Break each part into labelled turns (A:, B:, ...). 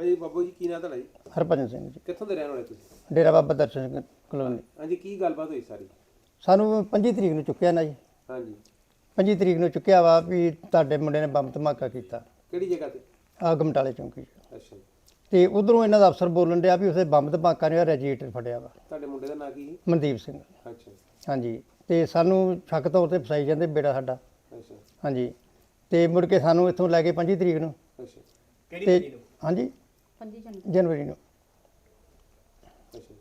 A: ਭਾਈ ਬਾਬੂ ਜੀ ਕੀ ਨਾਂ ਤੁਹਾਡਾ ਜੀ?
B: ਹਰਭਜਨ ਸਿੰਘ ਜੀ,
A: ਕਿੱਥੋਂ ਦੇ ਰਹਿਣ ਵਾਲੇ ਤੁਸੀਂ?
B: ਡੇਰਾ ਬਾਬਾ ਦਰਸ਼ਨ ਸਿੰਘ ਕਲੋਨੀ।
A: ਹਾਂਜੀ, ਕੀ ਗੱਲਬਾਤ ਹੋਈ ਸਾਰੀ?
B: ਸਾਨੂੰ 25 ਤਰੀਕ ਨੂੰ ਚੁੱਕਿਆ ਨਾ ਜੀ।
A: ਹਾਂਜੀ,
B: 25 ਤਰੀਕ ਨੂੰ ਚੁੱਕਿਆ ਵਾ ਵੀ ਤੁਹਾਡੇ ਮੁੰਡੇ ਨੇ ਬੰਬ ਧਮਾਕਾ ਕੀਤਾ
A: ਕਿਹੜੀ ਜਗ੍ਹਾ ਤੇ?
B: ਗਮਟਾਲੇ ਚੌਂਕੀ 'ਚ।
A: ਅੱਛਾ ਜੀ।
B: ਤੇ ਉਧਰੋਂ ਇਹਨਾਂ ਦਾ ਅਫਸਰ ਬੋਲਣ ਡਿਆ ਵੀ ਉਸੇ ਬੰਬ ਧਮਾਕਾ ਨੇ ਰੈਜੀਟਰ ਫੜਿਆ ਵਾ।
A: ਤੁਹਾਡੇ ਮੁੰਡੇ ਦਾ ਨਾਂ ਕੀ ਸੀ?
B: ਮਨਦੀਪ ਸਿੰਘ।
A: ਅੱਛਾ
B: ਹਾਂਜੀ, ਤੇ ਸਾਨੂੰ ਸ਼ੱਕ ਤੌਰ ਤੇ ਫਸਾਈ ਜਾਂਦੇ ਬੇੜਾ ਸਾਡਾ।
A: ਅੱਛਾ
B: ਹਾਂਜੀ, ਤੇ ਮੁੜ ਕੇ ਸਾਨੂੰ ਇੱਥੋਂ ਲੈ ਕੇ 25 ਤਰੀਕ ਨੂੰ।
A: ਅੱਛਾ,
B: ਕਿਹੜੀ ਤਰੀਕ ਨੂੰ? ਹਾਂਜੀ
C: 25
B: ਜਨਵਰੀ ਨੂੰ।
A: ਅੱਛਾ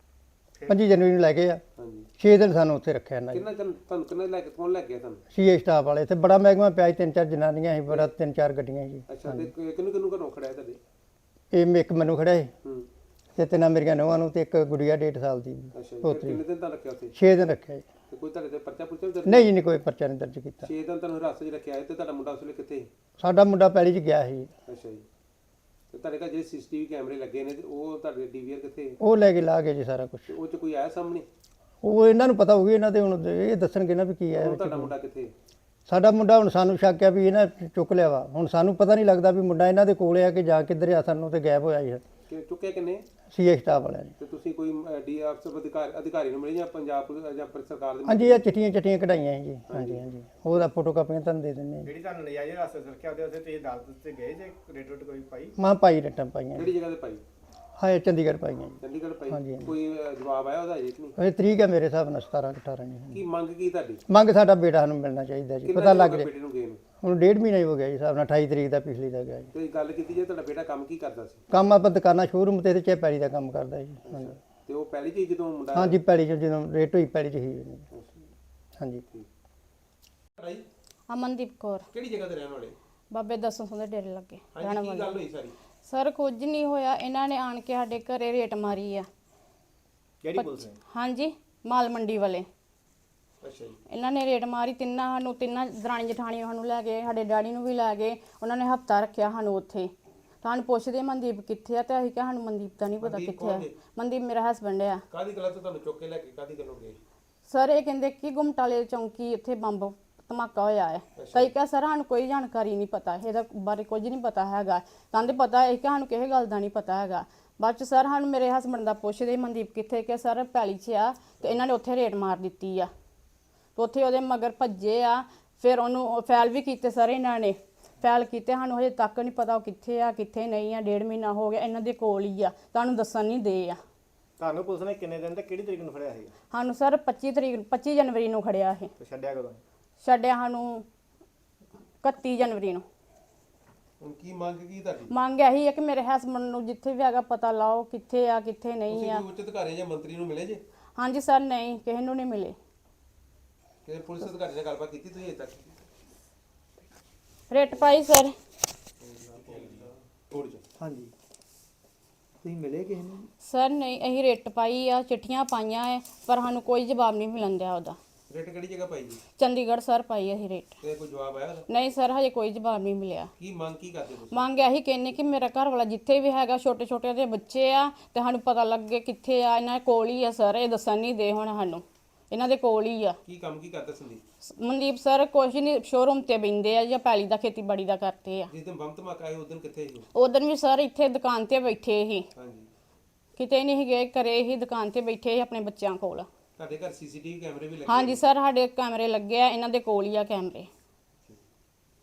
B: 25 ਜਨਵਰੀ ਨੂੰ ਲੈ ਕੇ ਆ।
A: ਹਾਂਜੀ,
B: 6 ਦਿਨ ਸਾਨੂੰ ਉੱਥੇ ਰੱਖਿਆ ਇਹਨਾਂ
A: ਕਿੰਨਾ ਤੁਹਾਨੂੰ ਕਿੰਨਾ ਲੈ ਕੇ ਕੌਣ ਲੈ ਗਿਆ ਤੁਹਾਨੂੰ?
B: ਸੀਏ ਸਟਾਫ ਵਾਲੇ। ਇੱਥੇ ਬੜਾ ਮਹਿਕਮਾ ਪਿਆ ਸੀ, 3-4 ਜਨਾਨੀਆਂ ਸੀ, ਬੜਾ 3-4 ਗੱਡੀਆਂ ਸੀ।
A: ਅੱਛਾ, ਤੇ ਕਿਹਨੂੰ ਕਿਹਨੂੰ ਘਰੋਂ ਖੜਿਆ ਤੁਹਾਡੇ?
B: ਇਹ ਇੱਕ ਮੈਨੂੰ ਖੜਿਆ ਸੀ
A: ਹੂੰ,
B: ਤੇ ਤਿੰਨਾਂ ਮੇਰੀਆਂ ਨੂੰਹਾਂ ਨੂੰ ਤੇ ਇੱਕ ਗੁੜੀਆ 1.5 ਸਾਲ ਦੀ
A: ਅੱਛਾ ਜੀ। ਫਿਰ
B: ਪੋਤਰੀ।
A: ਕਿੰਨੇ ਦਿਨ ਤਾਂ ਰੱਖਿਆ ਉੱਥੇ?
B: 6 ਦਿਨ ਰੱਖਿਆ ਜੀ।
A: ਤੇ ਕੋਈ ਤੁਹਾਡੇ ਤੇ ਪਰਚਾ ਪੁੱਛਿਆ ਦਰਜ?
B: ਨਹੀਂ ਜੀ, ਨਹੀਂ ਕੋਈ ਪਰਚਾ ਨਹੀਂ ਦਰਜ ਕੀਤਾ।
A: 6 ਦਿਨ ਤੁਹਾਨੂੰ ਹਿਰਾਸਤ 'ਚ ਰੱਖਿਆ ਹੈ ਤੇ ਤੁਹਾਡਾ ਮੁੰਡਾ ਉਸ ਵੇਲੇ ਕਿੱਥੇ ਸੀ?
B: ਸਾਡਾ ਮੁੰਡਾ ਪੈਲੀ 'ਚ ਗਿਆ ਸੀ।
A: ਅੱਛਾ ਜੀ। ਤੇ ਤੁਹਾਡੇ ਘਰ ਜਿਹੜੇ ਸੀਸੀਟੀਵੀ ਕੈਮਰੇ ਲੱਗੇ ਨੇ ਤੇ ਉਹ ਤੁਹਾਡੇ ਡੀਵੀਆਰ ਕਿੱਥੇ?
B: ਉਹ ਲੈ ਕੇ ਲਾ ਗਏ ਜੀ ਸਾਰਾ ਕੁਝ।
A: ਤੇ ਉਹ 'ਚ ਕੋਈ ਆਇਆ ਸਾਹਮਣੇ?
B: ਉਹ ਇਹਨਾਂ ਨੂੰ ਪਤਾ ਹੋਊਗੀ, ਇਹਨਾਂ ਦੇ ਹੁਣ ਇਹ ਦੱਸਣਗੇ ਨਾ ਵੀ ਕੀ
A: ਹੁਣ
B: ਹੈ।
A: ਤੁਹਾਡਾ ਮੁੰਡਾ ਕਿੱਥੇ?
B: ਸਾਡਾ ਮੁੰਡਾ ਹੁਣ ਸਾਨੂੰ ਸ਼ੱਕ ਹੈ ਵੀ ਇਹਨਾਂ ਚੁੱਕ ਲਿਆ ਵਾ। ਹੁਣ ਸਾਨੂੰ ਪਤਾ ਨਹੀਂ ਲੱਗਦਾ ਵੀ ਮੁੰਡਾ ਇਹਨਾਂ ਦੇ ਕੋਲ ਆ ਕਿ ਜਾਂ ਕਿੱਧਰ ਆ, ਸਾਨੂੰ ਤੇ ਗਾਇਬ ਹੋਇਆ ਜੀ
A: ਕਿ ਚੁੱਕਿਆ ਕਿੰਨੇ?
B: ਸੀਏ ਸਟਾਫ ਵਾਲਿਆਂ ਨੇ।
A: ਤੇ ਤੁਸੀਂ ਕੋਈ ਡੀਐਫਸੀ ਅਧਿਕਾਰੀ ਨੂੰ ਮਿਲੇ ਜਾਂ ਪੰਜਾਬ ਪੁਲਿਸ ਜਾਂ ਸਰਕਾਰ ਦੇ?
B: ਹਾਂਜੀ, ਇਹ ਚਿੱਠੀਆਂ ਕਢਾਈਆਂ ਜੀ। ਹਾਂਜੀ ਹਾਂਜੀ, ਉਹਦਾ ਫੋਟੋ ਕਾਪੀਆਂ ਤੁਹਾਨੂੰ ਦੇ ਦਿੰਦੇ ਹਾਂ।
D: ਜਿਹੜੀ ਤੁਹਾਨੂੰ ਨਜਾਇਜ਼ ਰਸਤੇ ਰੱਖਿਆ ਉਹਦੇ ਉੱਤੇ ਤੁਸੀਂ ਅਦਾਲਤ ਤੇ ਗਏ ਜੇ ਰੇਟ ਕੋਈ ਪਾਈ?
B: ਮਾਂ ਪਾਈ ਰਟਾਂ ਪਾਈਆਂ।
A: ਕਿਹੜੀ ਜਗ੍ਹਾ ਤੇ ਪਾਈ?
B: ਹਾਂ, ਚੰਡੀਗੜ੍ਹ ਪਾਈਆਂ ਜੀ।
A: ਚੰਡੀਗੜ੍ਹ ਪਾਈ?
B: ਹਾਂਜੀ, ਹਾਂਜੀ।
A: ਕੋਈ ਜਵਾਬ ਆਇਆ ਉਹਦਾ? ਅਜੇ ਕਿ ਨਹੀਂ?
B: ਇਹ ਤਰੀਕ ਹੈ ਮੇਰੇ ਹਿਸਾਬ ਨਾਲ 17-18 ਜੀ।
A: ਕੀ ਮੰਗ ਕੀ ਤੁਹਾਡੀ?
B: ਮੰਗ ਸਾਡਾ ਬੇਟਾ ਸਾਨੂੰ ਮਿਲਣਾ ਚਾਹੀਦਾ ਜੀ।
A: ਕਿੰਨਾ
B: ਪਤਾ
A: ਚਿਰ
B: ਲੱਗ
A: ਹੋ ਗਿਆ
B: ਰਿਹਾ
A: ਬੇਟੇ ਨੂੰ ਗਏ ਨੂੰ?
B: ਹੁਣ 1.5 ਮਹੀਨਾ ਹੀ ਹੋ ਗਿਆ ਜੀ ਹਿਸਾਬ ਨਾਲ। 28 ਤਰੀਕ ਦਾ ਪਿਛਲੀ ਦਾ ਗਿਆ ਜੀ।
A: ਤੇ ਗੱਲ ਕੀਤੀ ਜੇ ਤੁਹਾਡਾ ਬੇਟਾ ਕੰਮ ਕੀ ਕਰਦਾ ਸੀ?
B: ਕੰਮ ਆਪਾਂ ਦੁਕਾਨਾਂ ਸ਼ੋਰੂਮ ਤੇ ਚਾਹ ਪੈਲੀ ਦਾ ਕੰਮ ਕਰਦਾ ਜੀ। ਹਾਂਜੀ
A: ਤੇ ਉਹ ਪਹਿਲੀ ਚੀਜ਼ ਜਦੋਂ ਮੁੰਡਾ?
B: ਹਾਂਜੀ, ਪੈਲੀ 'ਚ ਜਦੋਂ ਰੇਟ ਹੋਈ ਪੈਲੀ 'ਚ ਹੀ ਜੀ। ਹਾਂਜੀ।
A: ਭਾਈ
C: ਅਮਨਦੀਪ ਕੌਰ,
A: ਕਿਹੜੀ ਜਗ੍ਹਾ ਤੇ ਰਹਿਣ ਵਾਲੇ?
C: ਬਾਬੇ ਦਸੋਂ ਸਿੰਘ ਦੇ ਡੇਰੇ ਲੱਗੇ ਰਹਿਣ
A: ਹਾਂਜੀ, ਕੀ
C: ਵਾਲੇ।
A: ਗੱਲ ਹੋਈ ਸਾਰੀ?
C: ਸਰ ਕੁਝ ਨਹੀਂ ਹੋਇਆ, ਇਹਨਾਂ ਨੇ ਆਣ ਕੇ ਸਾਡੇ ਘਰੇ ਰੇਟ ਮਾਰੀ ਆ।
D: ਕਿਹੜੀ ਪੁਲਿਸ ਨੇ?
C: ਹਾਂਜੀ, ਮਾਲ ਮੰਡੀ ਵਾਲੇ।
A: ਅੱਛਾ ਜੀ।
C: ਇਹਨਾਂ ਨੇ ਰੇਟ ਮਾਰੀ, ਤਿੰਨਾਂ ਦਰਾਣੀ ਜਠਾਣੀਆਂ ਸਾਨੂੰ ਲੈ ਗਏ, ਸਾਡੇ ਡੈਡੀ ਨੂੰ ਵੀ ਲੈ ਗਏ। ਉਹਨਾਂ ਨੇ ਹਫਤਾ ਰੱਖਿਆ ਸਾਨੂੰ ਉੱਥੇ। ਸਾਨੂੰ ਪੁੱਛਦੇ ਮਨਦੀਪ ਕਿੱਥੇ ਆ, ਤੇ ਅਸੀਂ ਕਿਹਾ ਸਾਨੂੰ ਮਨਦੀਪ ਦਾ ਨਹੀਂ ਪਤਾ
A: ਮਨਦੀਪ
C: ਕਿੱਥੇ ਆ।
A: ਕੌਣ ਜੀ?
C: ਮਨਦੀਪ ਮੇਰਾ ਹਸਬੈਂਡ ਆ।
A: ਕਾਹਦੀ ਗੱਲ ਤੋਂ ਤੁਹਾਨੂੰ ਚੁੱਕ ਕੇ ਲੈ ਕੇ ਕਾਹਦੀ ਗੱਲੋਂ ਗਏ?
C: ਸਰ ਇਹ ਕਹਿੰਦੇ ਕਿ ਗੁਮਟਾਲੇ ਚੌਂਕੀ ਇੱਥੇ ਬੰਬ ਧਮਾਕਾ ਹੋਇਆ ਹੈ। ਕਈ ਕਿਹਾ ਸਰ ਸਾਨੂੰ ਕੋਈ ਜਾਣਕਾਰੀ ਨਹੀਂ ਪਤਾ, ਇਹਦਾ ਬਾਰੇ ਕੁਝ ਨਹੀਂ ਪਤਾ ਹੈਗਾ। ਕਹਿੰਦੇ ਪਤਾ ਹੈ ਕਿ ਸਾਨੂੰ ਕਿਸੇ ਗੱਲ ਦਾ ਨਹੀਂ ਪਤਾ ਹੈਗਾ। ਬਾਅਦ ਚ ਸਰ ਸਾਨੂੰ ਮੇਰੇ ਹਸਬੈਂਡ ਦਾ ਪੁੱਛਦੇ ਮਨਦੀਪ ਕਿੱਥੇ, ਕਿ ਸਰ ਪੈਲੀ 'ਚ ਆ। ਤੇ ਇਹਨਾਂ ਨੇ ਉੱਥੇ ਰੇਟ ਮਾਰ ਦਿੱਤੀ ਆ, ਤੇ ਉੱਥੇ ਉਹਦੇ ਮਗਰ ਭੱਜੇ ਆ। ਫਿਰ ਉਹਨੂੰ ਫੈਲ ਵੀ ਕੀਤੇ ਸਰ, ਇਹਨਾਂ ਨੇ ਫੈਲ ਕੀਤੇ। ਸਾਨੂੰ ਹਜੇ ਤੱਕ ਨਹੀਂ ਪਤਾ ਉਹ ਕਿੱਥੇ ਆ ਕਿੱਥੇ ਨਹੀਂ ਆ। 1.5 ਮਹੀਨਾ ਹੋ ਗਿਆ, ਇਹਨਾਂ ਦੇ ਕੋਲ ਹੀ ਆ, ਤੁਹਾਨੂੰ ਦੱਸਣ ਨਹੀਂ ਦੇ ਆ।
D: ਤੁਹਾਨੂੰ ਪੁਲਿਸ ਨੇ ਕਿੰਨੇ ਦਿਨ ਤੇ ਕਿਹੜੀ ਤਰੀਕ ਨੂੰ ਫੜਿਆ ਸੀ?
C: ਸਾਨੂੰ ਸਰ 25 ਜਨਵਰੀ ਨੂੰ ਖੜਿਆ ਇਹ।
D: ਤੇ ਛੱਡਿਆ ਕਦੋਂ?
C: ਛੱਡਿਆ ਸਾਨੂੰ 31 ਜਨਵਰੀ ਨੂੰ।
A: ਹੁਣ ਕੀ ਮੰਗ ਕੀ ਤੁਹਾਡੀ?
C: ਮੰਗ ਇਹੀ ਹੈ ਕਿ ਮੇਰੇ ਹਸਬੈਂਡ ਨੂੰ ਜਿੱਥੇ ਵੀ ਹੈਗਾ ਪਤਾ ਲਾਓ, ਕਿੱਥੇ ਆ ਕਿੱਥੇ ਨਹੀਂ
A: ਤੁਸੀਂ
C: ਆ।
A: ਕੋਈ ਉੱਚ ਅਧਿਕਾਰੀ ਜਾਂ ਮੰਤਰੀ ਨੂੰ ਮਿਲੇ ਜੇ?
C: ਹਾਂਜੀ ਸਰ, ਨਹੀਂ ਕਿਸੇ ਨੂੰ ਨਹੀਂ ਮਿਲੇ।
A: ਕਿ ਪੁਲਿਸ ਅਧਿਕਾਰੀ ਨਾਲ ਗੱਲਬਾਤ ਕੀਤੀ ਤੁਸੀਂ ਅਜੇ ਤੱਕ?
C: ਰੇਟ ਪਾਈ ਸਰ।
A: ਥੋੜੀ ਜਿਹੀ।
D: ਹਾਂਜੀ, ਤੁਸੀਂ ਮਿਲੇ ਕਿਸੇ ਨੂੰ?
C: ਸਰ ਨਹੀਂ, ਅਸੀਂ ਰੇਟ ਪਾਈ ਆ, ਚਿੱਠੀਆਂ ਪਾਈਆਂ ਹੈ, ਪਰ ਸਾਨੂੰ ਕੋਈ ਜਵਾਬ ਨਹੀਂ ਮਿਲਣ ਦਿਆ ਉਹਦਾ।
A: ਰੇਟ ਕਿਹੜੀ ਜਗ੍ਹਾ ਪਾਈ ਜੀ?
C: ਚੰਡੀਗੜ੍ਹ ਸਰ ਪਾਈ ਅਸੀਂ ਰੇਟ।
A: ਤੇ ਕੋਈ ਜਵਾਬ ਆਇਆ ਉਹਦਾ?
C: ਨਹੀਂ ਸਰ, ਹਜੇ ਕੋਈ ਜਵਾਬ ਨਹੀਂ ਮਿਲਿਆ।
A: ਕੀ ਮੰਗ ਕੀ ਕਰਦੇ ਤੁਸੀਂ?
C: ਮੰਗ ਇਹੀ ਕਹਿੰਨੇ ਕਿ ਮੇਰਾ ਘਰ ਵਾਲਾ ਜਿੱਥੇ ਵੀ ਹੈਗਾ, ਛੋਟੇ ਛੋਟੇ ਦੇ ਬੱਚੇ ਆ, ਤੇ ਸਾਨੂੰ ਪਤਾ ਲੱਗੇ ਕਿੱਥੇ ਆ। ਇਹਨਾਂ ਦੇ ਕੋਲ ਹੀ ਆ ਸਰ, ਇਹ ਦੱਸਣ ਨਹੀਂ ਦੇ ਹੁਣ ਸਾਨੂੰ। ਇਹਨਾਂ ਦੇ ਕੋਲ ਹੀ ਆ।
A: ਕੀ ਕੰਮ ਕੀ ਕਰਦੇ ਸੰਦੀਪ?
C: ਮਨਦੀਪ ਸਰ ਕੁਛ ਨਹੀਂ, ਸ਼ੋਰੂਮ ਤੇ ਬੈਂਦੇ ਆ ਜਾਂ ਪੈਲੀ ਦਾ ਖੇਤੀਬਾੜੀ ਦਾ ਕਰਦੇ ਆ।
A: ਜਿਸ ਦਿਨ ਬੰਬ ਧਮਾਕਾ ਆਇਆ ਉਸ ਦਿਨ ਕਿੱਥੇ ਸੀ?
C: ਉਦੋਂ ਵੀ ਸਰ ਇੱਥੇ ਦੁਕਾਨ ਤੇ ਬੈਠੇ ਸੀ,
A: ਹਾਂਜੀ।
C: ਕਿਤੇ ਨਹੀਂ ਗਏ, ਘਰੇ ਹੀ ਦੁਕਾਨ ਤੇ ਬੈਠੇ ਸੀ ਆਪਣੇ ਬੱਚਿਆਂ ਕੋਲ।
A: ਤੁਹਾਡੇ ਘਰ ਸੀਸੀਟੀਵੀ ਕੈਮਰੇ ਵੀ ਲੱਗੇ?
C: ਹਾਂਜੀ ਸਰ, ਸਾਡੇ ਕੈਮਰੇ ਲੱਗੇ ਆ, ਇਹਨਾਂ ਦੇ ਕੋਲ ਹੀ ਆ ਕੈਮਰੇ।